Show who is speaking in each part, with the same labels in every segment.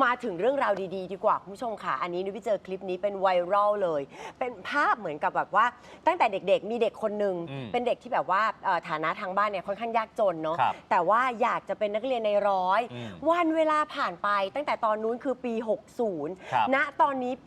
Speaker 1: มาถึงเรื่องราวดีๆดีกว่าคุณผู้ชมค่ะอันนี้นุ้ยไปเจอคลิปนี้เป็นไวรัลเลยเป็นภาพเหมือนกับแบบว่าตั้งแต่เด็กๆมีเด็กคนหนึ่งเป็นเด็กที่แบบว่าฐานะทางบ้านเนี่ยค่อนข้างยากจนเนาะแต่ว่าอยากจะเป็นนักเรียนในร้อยวันเวลาผ่านไปตั้งแต่ตอนนู้นคือปี 60 ณ ตอนนี้ปี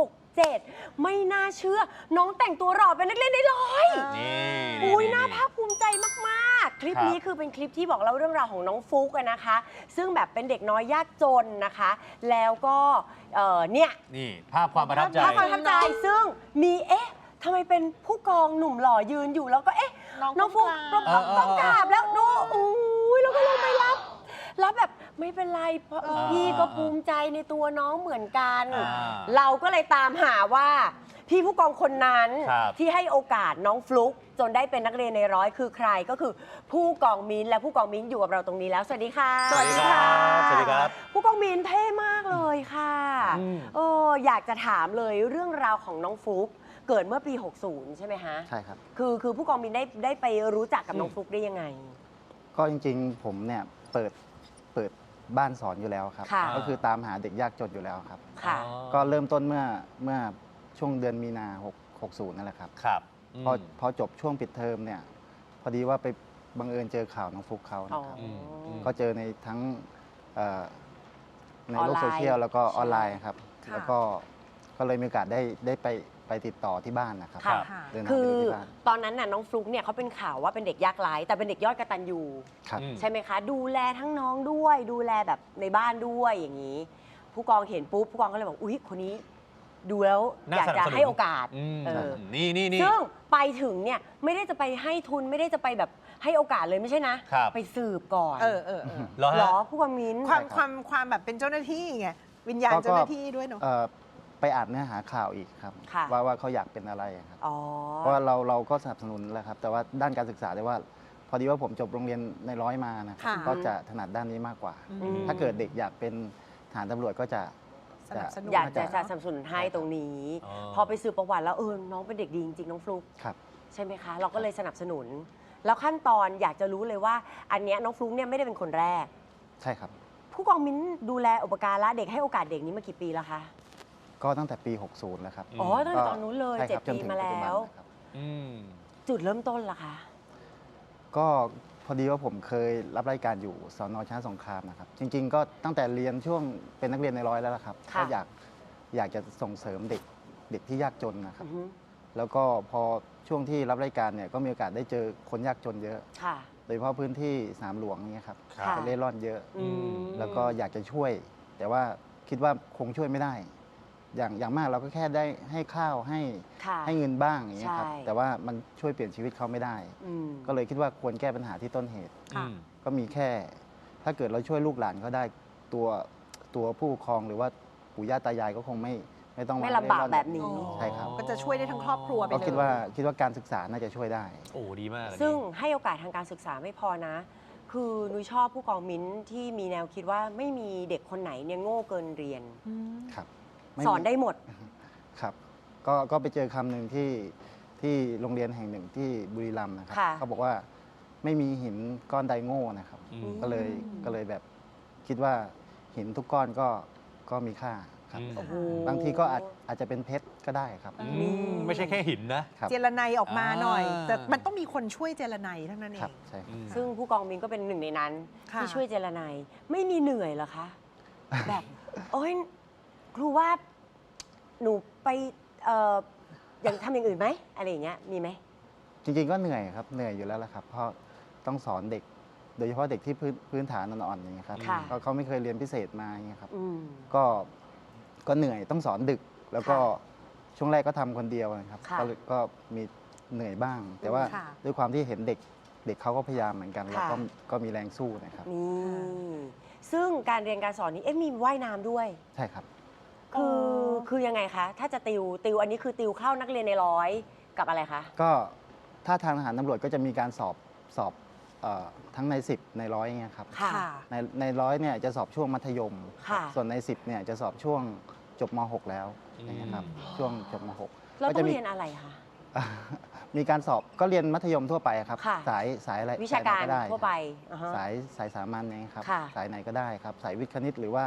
Speaker 1: 67 ไม่น่าเชื่อน้องแต่งตัวหล่อเป็นนักเรียนในร้อยอุ้ยน่าภาคภูมิใจมากๆคลิปนี้คือเป็นคลิปที่บอกเล่าเรื่องราวของน้องฟุกนะคะซึ่งแบบเป็นเด็กน้อยยากจนนะคะแล้วก็เนี่ย
Speaker 2: นี่ภาพความประทับใจ
Speaker 1: ซึ่งมีทำไมเป็นผู้กองหนุ่มหล่อยืนอยู่แล้วก็น้องฟุกต้องกราบแล้วดูอุ้ยแล้วก็ลงไปรับแบบไม่เป็นไรเพราะพี่ก็ภูมิใจในตัวน้องเหมือนกันเราก็เลยตามหาว่าพี่ผู้กองคนนั้นที่ให้โอกาสน้องฟลุ๊กจนได้เป็นนักเรียนในร้อยคือใครก็คือผู้กองมิ้นและผู้กองมิ้นอยู่กับเราตรงนี้แล้วสวัสดีค่ะ
Speaker 2: สวัสดีครับสวัสดีครับ
Speaker 1: ผู้กองมิ้นเท่มากเลยค่ะอยากจะถามเลยเรื่องราวของน้องฟลุ๊กเกิดเมื่อปี 60 ใช่ไหมฮะ
Speaker 3: ใช่ครับ
Speaker 1: คือผู้กองมิ้นได้ไปรู้จักกับน้องฟลุ๊กได้ยังไง
Speaker 3: ก็จริงๆผมเนี่ยเปิดบ้านสอนอยู่แล้วครับก็คือตามหาเด็กยากจนอยู่แล้วครับก็เริ่มต้นเมื่อช่วงเดือนมีนา60นั่นแหละครับพอจบช่วงปิดเทอมเนี่ยพอดีว่าไปบังเอิญเจอข่าวน้องฟลุ๊กเขานะครับก็เจอในทั้งในโลกโซเชียลแล้วก็ออนไลน์ครับแล้วก็เลยมีโอกาสได้ไปติดต่อที่บ้านนะครับ
Speaker 1: คือตอนนั้นน่ะน้องฟลุ๊กเนี่ยเขาเป็นข่าวว่าเป็นเด็กยากไร้แต่เป็นเด็กยอดกตัญญูใช่ไหมคะดูแลทั้งน้องด้วยดูแลแบบในบ้านด้วยอย่างนี้ผู้กองเห็นปุ๊บผู้กองก็เลยบอกอุ๊ยคนนี้ดูแล้วอยากจะให้โอกาส
Speaker 2: นี่
Speaker 1: ซึ่งไปถึงเนี่ยไม่ได้จะไปให้ทุนไม่ได้จะไปแบบให้โอกาสเลยไม่ใช่นะไปสืบก่อนหรอผู้กองมิ้น
Speaker 4: ความแบบเป็นเจ้าหน้าที่ไงวิญญาณเจ้าหน้าที่ด้วยเนาะ
Speaker 3: ไปอ่านเนื้อหาข่าวอีกครับว่าเขาอยากเป็นอะไรครับเพราะว่าเราก็สนับสนุนแหละครับแต่ว่าด้านการศึกษาได้ว่าพอดีว่าผมจบโรงเรียนในร้อยมานะครับก็จะถนัดด้านนี้มากกว่าถ้าเกิดเด็กอยากเป็นทหารตำรวจก็จะ
Speaker 1: อยากจะสนับสนุนให้ตรงนี้พอไปสืบประวัติแล้วน้องเป็นเด็กดีจริงๆน้องฟลุ๊กใช่ไหมคะเราก็เลยสนับสนุนแล้วขั้นตอนอยากจะรู้เลยว่าอันเนี้ยน้องฟลุ๊กเนี่ยไม่ได้เป็นคนแรก
Speaker 3: ใช่ครับ
Speaker 1: ผู้กองมิ้นดูแลอุปการะเด็กให้โอกาสเด็กนี้มากี่ปีแล้วคะ
Speaker 3: ก็ตั้งแต่ปี 60 แล้วครับ
Speaker 1: ตั้งแต่ตอนนู้นเลย7 ปีมาแล้วจุดเริ่มต้นล่ะคะ
Speaker 3: ก็พอดีว่าผมเคยรับราชการอยู่สน.ชนะสงครามนะครับจริงๆก็ตั้งแต่เรียนช่วงเป็นนักเรียนในร้อยแล้วครับก็อยากจะส่งเสริมเด็กที่ยากจนนะครับแล้วก็พอช่วงที่รับราชการเนี่ยก็มีโอกาสได้เจอคนยากจนเยอะโดยเฉพาะพื้นที่สนามหลวงนี่ครับเล่ร่อนเยอะแล้วก็อยากจะช่วยแต่ว่าคิดว่าคงช่วยไม่ได้อย่างมากเราก็แค่ได้ให้ข้าวให้เงินบ้างอย่างเงี้ยครับแต่ว่ามันช่วยเปลี่ยนชีวิตเขาไม่ได้ก็เลยคิดว่าควรแก้ปัญหาที่ต้นเหตุก็มีแค่ถ้าเกิดเราช่วยลูกหลานเขาได้ตัวผู้ปกครองหรือว่าปู่ย่าตายายก็คงไม่ต้อง
Speaker 1: ไม่ลำบากแบบนี้
Speaker 3: ใช่ครับ
Speaker 4: ก็จะช่วยได้ทั้งครอบครัวไปเลย
Speaker 3: ก็คิดว่าการศึกษาน่าจะช่วยได้
Speaker 2: โอ้ดีมาก
Speaker 1: ซึ่งให้โอกาสทางการศึกษาไม่พอนะคือนุ้ยชอบผู้กองมิ้นที่มีแนวคิดว่าไม่มีเด็กคนไหนเนี่ยโง่เกินเรียน
Speaker 3: ครับ
Speaker 1: สอนได้หมด
Speaker 3: ครับก็ไปเจอคำหนึ่งที่โรงเรียนแห่งหนึ่งที่บุรีรัมย์นะครับเขาบอกว่าไม่มีหินก้อนใดโง่นะครับก็เลยแบบคิดว่าหินทุกก้อนก็มีค่าครับบางทีก็อาจจะเป็นเพชรก็ได้ครับ
Speaker 2: ไม่ใช่แค่หินนะ
Speaker 4: เจรไนออกมาหน่อยแต่มันต้องมีคนช่วยเจรไนทั้งนั้นเอง
Speaker 3: ใช่
Speaker 1: ซึ่งผู้กองมิ้นก็เป็นหนึ่งในนั้นที่ช่วยเจรไนไม่มีเหนื่อยเหรอคะแบบโอ้ยครูว่าหนูไปอย่างทำอย่างอื่นไหมอะไรอย่างเงี้ยมีไหม
Speaker 3: จริงๆก็เหนื่อยครับเหนื่อยอยู่แล้วละครับเพราะต้องสอนเด็กโดยเฉพาะเด็กที่พื้นฐานอ่อนๆอย่างเงี้ยครับเขาไม่เคยเรียนพิเศษมาอย่างเงี้ยครับก็เหนื่อยต้องสอนดึกแล้วก็ช่วงแรกก็ทำคนเดียวนะครับก็มีเหนื่อยบ้างแต่ว่าด้วยความที่เห็นเด็กเขาก็พยายามเหมือนกันแล้วก็มีแรงสู้นะครับ
Speaker 1: ซึ่งการเรียนการสอนนี้มีว่ายน้ำด้วย
Speaker 3: ใช่ครับ
Speaker 1: คือยังไงคะถ้าจะติวอันนี้คือติวเข้านักเรียนในร้อยกับอะไรคะ
Speaker 3: ก็ถ้าทางทหารตำรวจก็จะมีการสอบทั้งใน10ในร้อยเงี้ยครับในร้อยเนี่ยจะสอบช่วงมัธยมส่วนใน10เนี่ยจะสอบช่วงจบม.6 แล้วนะครับช่วงจบม
Speaker 1: .6 เราต้องเรียนอะไรคะ
Speaker 3: มีการสอบก็เรียนมัธยมทั่วไปครับสายอะไร
Speaker 1: วิชาการทั่วไป
Speaker 3: สายสามัญนะครับสายไหนก็ได้ครับสายวิทย์คณิตหรือว่า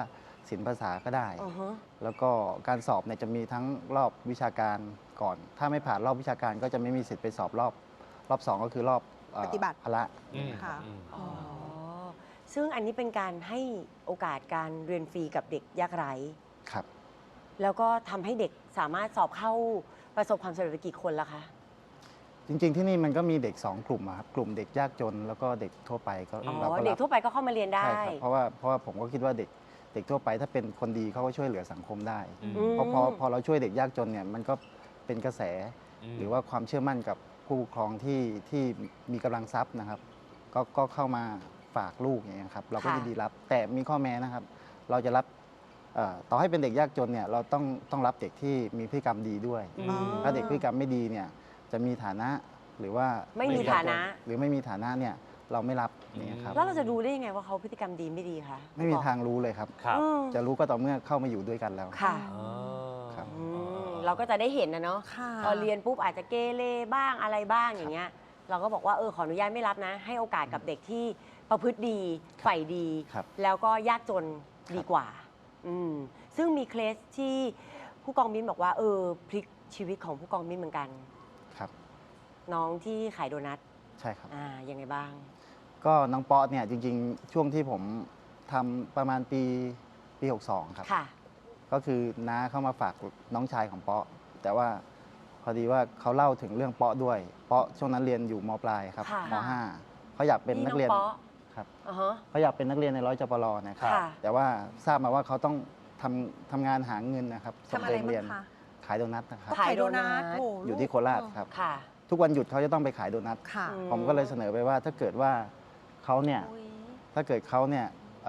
Speaker 3: ศิลป์ภาษาก็ได้
Speaker 1: อือฮะ
Speaker 3: แล้วก็การสอบเนี่ยจะมีทั้งรอบวิชาการก่อน ถ้าไม่ผ่านรอบวิชาการก็จะไม่มีสิทธิ์ไปสอบรอบ 2 ก็คือรอบ
Speaker 4: ปฏิบัติ
Speaker 3: พละ
Speaker 4: ค่ะ
Speaker 1: อ๋อ ซึ่งอันนี้เป็นการให้โอกาสการเรียนฟรีกับเด็กยากไร้
Speaker 3: ครับ
Speaker 1: แล้วก็ทำให้เด็กสามารถสอบเข้าประสบความสำเร็จไปกี่คนละคะ
Speaker 3: จริงๆที่นี่มันก็มีเด็ก 2 กลุ่มอะครับกลุ่มเด็กยากจนแล้วก็เด็กทั่วไปก็
Speaker 1: อ๋อ
Speaker 3: เราก็
Speaker 1: เด็
Speaker 3: รั
Speaker 1: ก
Speaker 3: บ
Speaker 1: ทั่วไปก็เข้ามาเรียนได้
Speaker 3: ใช่ครับเพราะว่าผมก็คิดว่าเด็กทั่วไปถ้าเป็นคนดีเขาก็ช่วยเหลือสังคมได้
Speaker 2: อืม
Speaker 3: เพราะพอเราช่วยเด็กยากจนเนี่ยมันก็เป็นกระแส หรือว่าความเชื่อมั่นกับผู้ปกครองที่มีกำลังทรัพย์นะครับ ก็เข้ามาฝากลูกอย่างเงี้ยครับเราก็
Speaker 1: ค่ะ
Speaker 3: ยินดีรับ แต่มีข้อแม้นะครับ เราจะรับต่อให้เป็นเด็กยากจนเนี่ยเราต้องรับเด็กที่มีพฤติกรรมดีด้วย
Speaker 1: อืม
Speaker 3: ถ้าเด็กพฤติกรรมไม่ดีเนี่ยจะมีฐานะหรือว่า
Speaker 1: ไม่มีฐานะ
Speaker 3: หรือไม่มีฐานะเนี่ยเราไม่รับอย่างเงี้ยครับ
Speaker 1: แล้วเราจะดูได้ยังไงว่าเขาพฤติกรรมดีไม่ดีคะ
Speaker 3: ไม่มีทางรู้เลยครับ
Speaker 2: ครับ
Speaker 1: อืม
Speaker 3: จะรู้ก็ต่อเมื่อเข้ามาอยู่ด้วยกันแล้ว
Speaker 1: ค่ะ
Speaker 2: อ๋อ
Speaker 3: ครับ
Speaker 1: อืมเราก็จะได้เห็นนะเนาะ
Speaker 4: ค่ะ
Speaker 1: พอเรียนปุ๊บอาจจะเกเรบ้างอะไรบ้างอย่างเงี้ย เราก็บอกว่าขออนุญาตไม่รับนะ ให้โอกาสกับเด็กที่ประพฤติดีใฝ่ดี
Speaker 3: ครับ
Speaker 1: แล้วก็ยากจนดีกว่าอืมซึ่งมีเคสที่ผู้กองมิ้นบอกว่าพลิกชีวิตของผู้กองมิ้นเหมือนกัน
Speaker 3: ครับ
Speaker 1: น้องที่ขายโดนัท
Speaker 3: ใช่ครับ
Speaker 1: ยังไงบ้าง
Speaker 3: ก็น้องป๊อตเนี่ยจริงๆ ช่วงที่ผมทำประมาณปี 62 ครับ
Speaker 1: ค่ะ
Speaker 3: ก็คือน้าเข้ามาฝากน้องชายของป๊อแต่ว่าพอดีว่าเขาเล่าถึงเรื่องป๊อด้วยป๊อช่วงนั้นเรียนอยู่มปลายครับ
Speaker 1: ค่ะ
Speaker 3: ม .5 เขาอยากเป็นนักเรียน
Speaker 1: น้องป๊อ
Speaker 3: ครับ
Speaker 1: อ่าฮะ
Speaker 3: เขาอยากเป็นนักเรียนในร้อยจปรนะครับ
Speaker 1: ค่ะ
Speaker 3: แต่ว่าทราบมาว่าเขาต้องทำงานหาเงินนะครับส่ง
Speaker 4: ทำอะ
Speaker 3: ตัว
Speaker 4: ไร
Speaker 3: เอง
Speaker 4: บ้า
Speaker 3: เรียน
Speaker 4: งคะ
Speaker 3: ขายโดนัทนะครับ
Speaker 1: ขายโดนัท
Speaker 4: โอ้
Speaker 3: อยู่ที่โคราชครับ
Speaker 1: ค่ะ
Speaker 3: ทุกวันหยุดเขาจะต้องไปขายโดนัท
Speaker 4: ค่ะ
Speaker 1: อื
Speaker 3: ผมก็เลยเสนอไปว่าถ้าเกิดว่าเขาเนี่ย
Speaker 4: อุ๊ย
Speaker 3: ถ้าเกิดเขาเนี่ย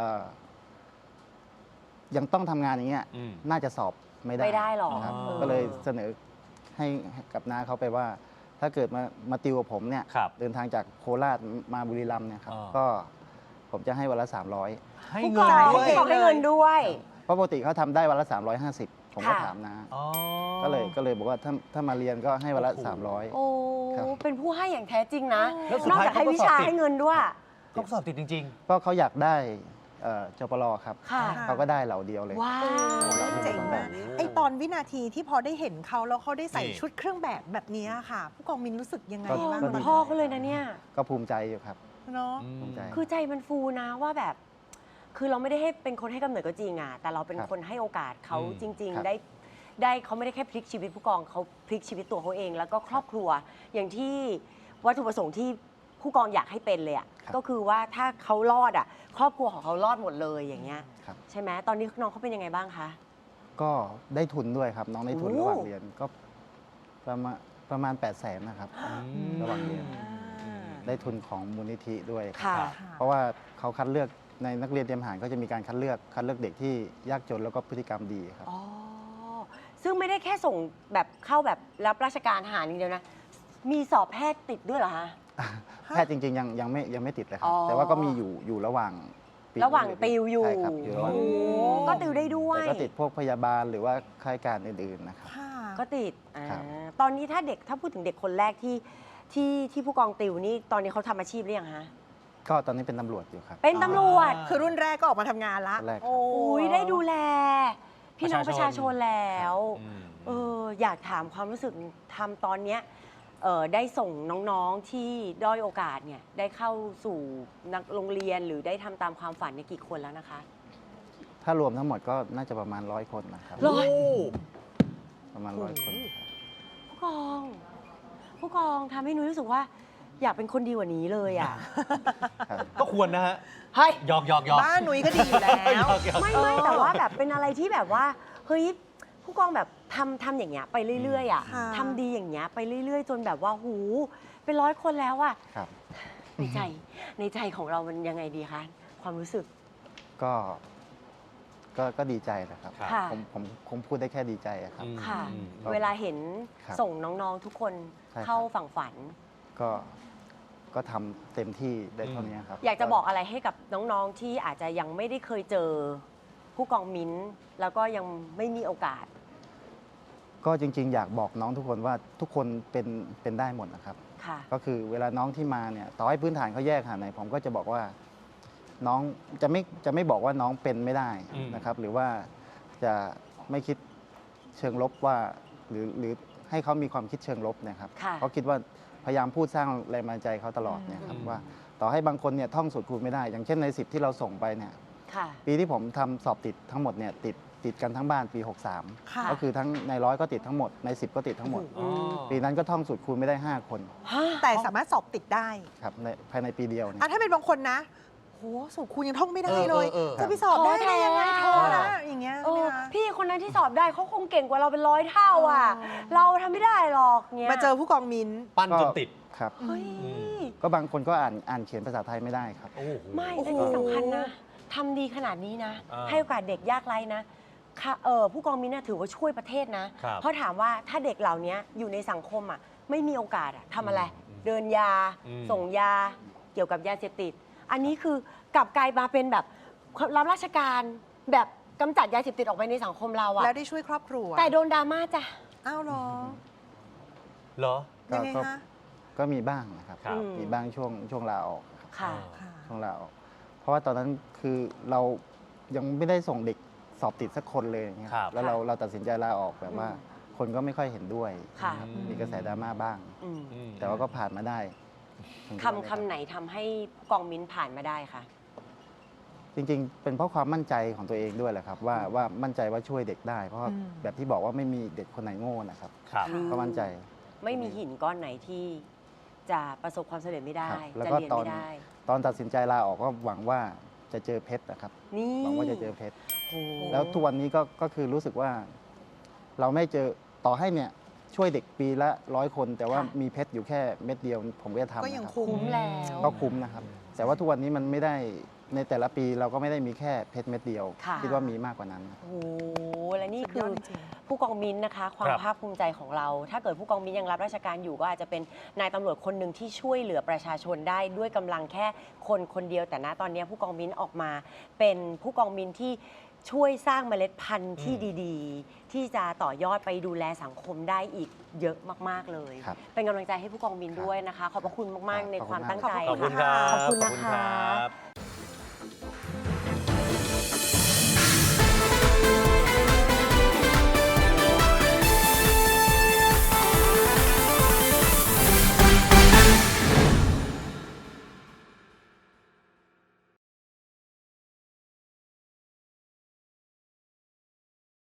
Speaker 3: ยังต้องทำงานอย่างเงี้ย
Speaker 2: อืม
Speaker 3: น่าจะสอบไม่ได้
Speaker 1: ไม่ได้หรอก
Speaker 3: นะครับ
Speaker 2: อ๋อ
Speaker 3: ก็เลยเสนอให้กับน้าเขาไปว่า ถ้าเกิดมาติวกับผมเนี่ย
Speaker 2: ครับ
Speaker 3: เดินทางจากโคราชมาบุรีรัมย์เนี่ยครับ
Speaker 2: อ่า
Speaker 3: ก็ผมจะให้วันละ
Speaker 2: ให้
Speaker 1: ผู้
Speaker 2: เงิ
Speaker 1: ก
Speaker 2: น
Speaker 1: อง
Speaker 2: ด้วย
Speaker 1: ผู้กองให้เงินด้วย
Speaker 3: 300เพราะปกติเขาทำได้วันละ 350 ผมก็
Speaker 1: ค่ะ
Speaker 3: ถามน้า
Speaker 2: อ๋อ
Speaker 3: ก็เลยบอกว่าถ้ามาเรียนก็ให้วันละ
Speaker 2: โอ้โห
Speaker 3: 300
Speaker 1: โอ้
Speaker 3: ครับ
Speaker 1: เป็นผู้ให้อย่างแท้จริงนะ
Speaker 2: แล้วสุด
Speaker 1: นอก
Speaker 2: ท้าย
Speaker 1: จากให้
Speaker 2: เขาก็
Speaker 1: วิชา
Speaker 2: สอบติด
Speaker 1: ให้เงินด้วย
Speaker 2: เขาสอบติดจริง
Speaker 3: ก็เขาอยากได้จปรครับ
Speaker 1: ค่ะ
Speaker 3: เขาก็ได้เหล่าเดียวเลย
Speaker 1: ว้าว
Speaker 4: เจ๋งมากไอตอนวินาทีที่พอได้เห็นเขาแล้วเขาได้ใส่
Speaker 2: นี่
Speaker 4: ชุดเครื่องแบบแบบนี้ค่ะ ผู้กองมินรู้สึกยังไง
Speaker 3: ก็
Speaker 4: บ้าง
Speaker 1: เหมือน
Speaker 3: ดี
Speaker 1: พ่อเขาเลยนะเนี่ย
Speaker 3: ก็ภูมิใจอยู่ครับ
Speaker 4: เนาะ
Speaker 2: ๆ
Speaker 3: ภูมิใจ
Speaker 1: คือใจมันฟูนะว่าแบบ คือเราไม่ได้ให้เป็นคนให้กำเนิดก็จริงอ่ะ แต่เราเป็น
Speaker 3: ครับ
Speaker 1: คนให้โอกาสเขา
Speaker 2: อืม
Speaker 1: จริง
Speaker 3: ครับ
Speaker 1: ๆ ได้เขาไม่ได้แค่พลิกชีวิตผู้กองเขาพลิกชีวิตตัวเขาเอง แล้วก็ครอบครัว อย่างที่วัตถุประสงค์ที่ผู้กองอยากให้เป็นเลยอ่ะ
Speaker 3: ครับ
Speaker 1: ก็คือว่าถ้าเขารอดอ่ะ ครอบครัวของเขารอดหมดเลยอย่างเงี้ย
Speaker 3: ครับ
Speaker 1: ใช่ไหมตอนนี้น้องเขาเป็นยังไงบ้างคะ
Speaker 3: ก็ได้ทุนด้วยครับ น้องได้ทุน
Speaker 1: โอ้
Speaker 3: ระหว่างเรียนก็ประมาณ800,000นะครับ ระหว่างเรียน ได้ทุนของมูลนิธิด้วยครับ
Speaker 1: ค่ะ
Speaker 3: เพราะว่าเขาคัดเลือกในนักเรียนเตรียมทหารก็จะมีการคัดเลือกเด็กที่ยากจนแล้วก็พฤติกรรมดีครับ
Speaker 1: อ๋อ ซึ่งไม่ได้แค่ส่งแบบเข้าแบบรับราชการทหารอย่างเดียวนะ มีสอบแพทย์ติดด้วยเหรอคะ
Speaker 3: แพทย์จริงๆยังไม่ติดเลยครั
Speaker 1: อ๋
Speaker 3: บ
Speaker 1: อ
Speaker 3: แต่ว่าก็มีอยู่ระหว่างปี
Speaker 1: ระหว่างติวอยู่
Speaker 3: ใช่ครับอยู่ระหว่าง
Speaker 1: โอ้ก็ติวได้ด้วย
Speaker 3: แต่ก็ติดพวกพยาบาลหรือว่าข้าราชการอื่นๆนะครับ
Speaker 4: ค่ะ
Speaker 1: ก็ติด
Speaker 3: ครับ
Speaker 1: ตอนนี้ถ้าพูดถึงเด็กคนแรกที่ผู้กองติวนี่ตอนนี้เขาทำอาชีพหรือยังฮะ
Speaker 3: ก็ตอนนี้เป็นตำรวจอยู่ครับ
Speaker 1: เป็นตำรวจ
Speaker 4: คือรุ่นแรกก็ออกมาทำงานละ
Speaker 3: รุ่นแรกครับ
Speaker 4: โอ้
Speaker 1: อุ้ยได้ดูแล พี่น้องประชาชนแล้ว
Speaker 2: อืม
Speaker 1: อยากถามความรู้สึกทำตอนเนี้ยได้ส่งน้องๆที่ด้อยโอกาสเนี่ยได้เข้าสู่นักโรงเรียนหรือได้ทำตามความฝันในยกี่คนแล้วนะคะ
Speaker 3: ถ้ารวมทั้งหมดก็น่าจะประมาณ100 คนนะครับ
Speaker 1: ร้อย
Speaker 3: ประมาณ100 คนครับ
Speaker 1: ผู้กองทำให้นุ้ยรู้สึกว่า อยากเป็นคนดีกว่านี้เลยอ่ะ
Speaker 3: ครับ
Speaker 2: ก็ควรนะฮะ
Speaker 1: เฮ้ย
Speaker 2: หยอก
Speaker 4: บ้านหนุ่ยก็ดีอยู่แล้ว
Speaker 1: ไม่แต่ว่าแบบเป็นอะไรที่แบบว่าเฮ้ยผู้กองแบบทำอย่างเงี้ยไปเรื่อยๆอ่ะ
Speaker 4: ค่ะ
Speaker 1: ทำดีอย่างเงี้ยไปเรื่อยๆ จนแบบว่าหูเป็น100 คนแล้วอ่ะ
Speaker 3: ครับ
Speaker 1: ในใจของเรามันยังไงดีคะความรู้สึก
Speaker 3: ก็ดีใจนะครับ
Speaker 2: ครับ
Speaker 1: ค่ะ
Speaker 3: ผมคงพูดได้แค่ดีใจอะครับ
Speaker 1: ค่ะ
Speaker 2: อืม
Speaker 3: ครับ
Speaker 1: เวลาเห็น
Speaker 3: ครับ
Speaker 1: ส่งน้องๆทุกคน
Speaker 3: ใช่ครับ
Speaker 1: เข้าฝั่งฝัน
Speaker 3: ก็ทำเต็มที่ได้เท่านี้ครับ
Speaker 1: อยากจะบอกอะไรให้กับน้องๆที่อาจจะยังไม่ได้เคยเจอผู้กองมิ้นท์แล้วก็ยังไม่มีโอกาส
Speaker 3: ก็จริง ๆ อยากบอกน้องทุกคนว่าทุกคนเป็นได้หมดนะครับ
Speaker 1: ค่ะ
Speaker 3: ก็คือเวลาน้องที่มาเนี่ยต่อให้พื้นฐานเขาแยกขนาดไหนผมก็จะบอกว่าน้องจะไม่บอกว่าน้องเป็นไม่ได้
Speaker 2: อืม
Speaker 3: นะครับ หรือว่าจะไม่คิดเชิงลบว่าหรือให้เขามีความคิดเชิงลบนะครับ
Speaker 1: ค่ะ
Speaker 3: เขาคิดว่าพยายามพูดสร้างแรงบันดาลใจเขาตลอดเนี่ยครับว่าต่อให้บางคนเนี่ยท่องสูตรคูณไม่ได้ อย่างเช่นใน10ที่เราส่งไปเนี่ย
Speaker 1: ค่ะ
Speaker 3: ปีที่ผมทำสอบติดทั้งหมดเนี่ยติดกันทั้งบ้านปี
Speaker 4: ค่ะ
Speaker 3: 63 ก็คือทั้งใน100ก็ติดทั้งหมดใน10ก็ติดทั้งหมด
Speaker 2: อ๋อ
Speaker 3: ปีนั้นก็ท่องสูตรคูณไม่ได้ 5 คน
Speaker 4: แต่สามารถสอบติดได้
Speaker 3: ครับภายในปีเดียวเนี่ย
Speaker 4: ถ้าเป็นบางคนนะโหสูตรคูณยังท่องไม่ได้เลย
Speaker 2: เออ
Speaker 4: จะไปสอบได้ได้ยังไง
Speaker 1: ท้
Speaker 4: ท้
Speaker 1: อ
Speaker 4: อ
Speaker 1: แท้
Speaker 4: นะอย่างเงี้ย
Speaker 1: เออ
Speaker 4: ใช่ไหมคะ
Speaker 1: พี่คนนั้นที่สอบได้เขาคงเก่งกว่าเราเป็น100 เท่าอ่ะ
Speaker 4: อ๋อ
Speaker 1: เราทำไม่ได้หรอกเงี้ย
Speaker 4: มาเจอผู้กองมิ้น
Speaker 2: ปั้นจนติด
Speaker 3: ครับ
Speaker 1: เฮ้ย
Speaker 2: อืม
Speaker 3: ก็บางคนก็อ่านเขียนภาษาไทยไม่ได้ครับ
Speaker 2: โอ้โห
Speaker 1: ไม่
Speaker 4: โอ้
Speaker 1: และ
Speaker 4: โห
Speaker 1: ที่สำคัญนะทำดีขนาดนี้นะ
Speaker 2: อ่า
Speaker 1: ให้โอกาสเด็กยากไร้นะค่ะผู้กองมิ้นท์ถือว่าช่วยประเทศนะ
Speaker 2: ครับ
Speaker 1: เพราะถามว่าถ้าเด็กเหล่านี้อยู่ในสังคมอ่ะไม่มีโอกาสอ่ะทำอะไร
Speaker 2: อืม
Speaker 1: เดินยา
Speaker 2: อืม
Speaker 1: ส่งยาเกี่ยวกับยาเสพติด อันนี้คือกลับกลายมาเป็นแบบรับราชการแบบกำจัดยาเสพติดออกไปในสังคมเราอ่ะ
Speaker 4: แล้วได้ช่วยครอบครัว
Speaker 1: แต่โดนดราม่าจ้ะ
Speaker 4: อ้าวเหรอ
Speaker 2: เหรอ
Speaker 3: ก็
Speaker 4: ยังไง
Speaker 3: ก็
Speaker 4: คะ
Speaker 3: ก็มีบ้างนะครับ
Speaker 2: ครับ
Speaker 3: มีบ้างช่วงลาออกครับ
Speaker 1: ค่ะ
Speaker 4: ค่ะ
Speaker 3: ช่วงลาออกเพราะว่าตอนนั้นคือเรายังไม่ได้ส่งเด็กสอบติดสักคนเลยอย่างเงี้ย
Speaker 2: ครับ
Speaker 3: แล้วเราตัดสินใจลาออกแบบว่า คนก็ไม่ค่อยเห็นด้วย
Speaker 1: ค่ะ
Speaker 3: มีกระแสดราม่าบ้าง
Speaker 1: อืม
Speaker 2: อืม
Speaker 3: แต่ว่าก็ผ่านมาได้ถึงทุกวันนี้
Speaker 1: คำไหนทำให้ผู้กองมิ้นท์ผ่านมาได้คะ
Speaker 3: จริงๆ เป็นเพราะความมั่นใจของตัวเองด้วยแหละครับ ว่ามั่นใจว่าช่วยเด็กได้ เพราะว่า
Speaker 4: อืม
Speaker 3: แบบที่บอกว่าไม่มีเด็กคนไหนโง่นะครับ
Speaker 2: ครับ
Speaker 1: อืม
Speaker 3: ก็มั่นใจ
Speaker 1: ไม่มีหินก้อนไหนที่จะประสบความสำเร็จไม่ได้
Speaker 3: ครับแล้ว
Speaker 1: จะ
Speaker 3: ก็
Speaker 1: เรียน
Speaker 3: ตอน
Speaker 1: ไม่ได้
Speaker 3: ตอนตัดสินใจลาออกก็หวังว่าจะเจอเพชรนะครับ
Speaker 1: นี่
Speaker 3: หวังว่าจะเจอเพชร
Speaker 1: โอ้โห
Speaker 3: แล้วทุกวันนี้ก็คือรู้สึกว่า เราไม่เจอต่อให้เนี่ยช่วยเด็กปีละ100 คน แต่ว่ามีเพชรอยู่แค่เม็ดเดียว ผมก็จะทำ
Speaker 4: ก็ยัง
Speaker 3: นะครับ
Speaker 4: คุ้
Speaker 1: คุ้
Speaker 4: ม
Speaker 1: มแล้ว
Speaker 3: ก็คุ้มนะครับ แต่ว่าทุกวันนี้มันไม่ได้ในแต่ละปีเราก็ไม่ได้มีแค่เพชรเม็ดเดียว
Speaker 1: ค่ะ
Speaker 3: คิดว่ามีมากกว่านั้นครับ
Speaker 1: โอ้โหและนี่
Speaker 4: สุด
Speaker 1: คื
Speaker 4: ย
Speaker 1: อ
Speaker 4: อดจริง
Speaker 1: ผู้กองมิ้นท์นะคะ ความ
Speaker 2: ครับ
Speaker 1: ภาคภูมิใจของเรา ถ้าเกิดผู้กองมิ้นท์ยังรับราชการอยู่ก็อาจจะเป็นนายตำรวจคนหนึ่งที่ช่วยเหลือประชาชนได้ด้วยกำลังแค่คนเดียวแต่ณตอนนี้ผู้กองมิ้นท์ออกมา เป็นผู้กองมิ้นท์ที่ช่วยสร้างเมล็ดพันธุ์ที่ดีๆ ที่จะต่อยอดไปดูแลสังคมได้อีกเยอะมากๆเลย
Speaker 3: ครับ
Speaker 1: เป็นกำลังใจให้ผู้กองมิ้นท์ด้วยนะคะ ขอบพระคุณมากๆในความตั้งใจ
Speaker 2: ขอบคุณครับ
Speaker 1: ขอบคุณ
Speaker 2: ข
Speaker 1: นะ
Speaker 2: อบคุณ
Speaker 1: คะ
Speaker 2: ครับ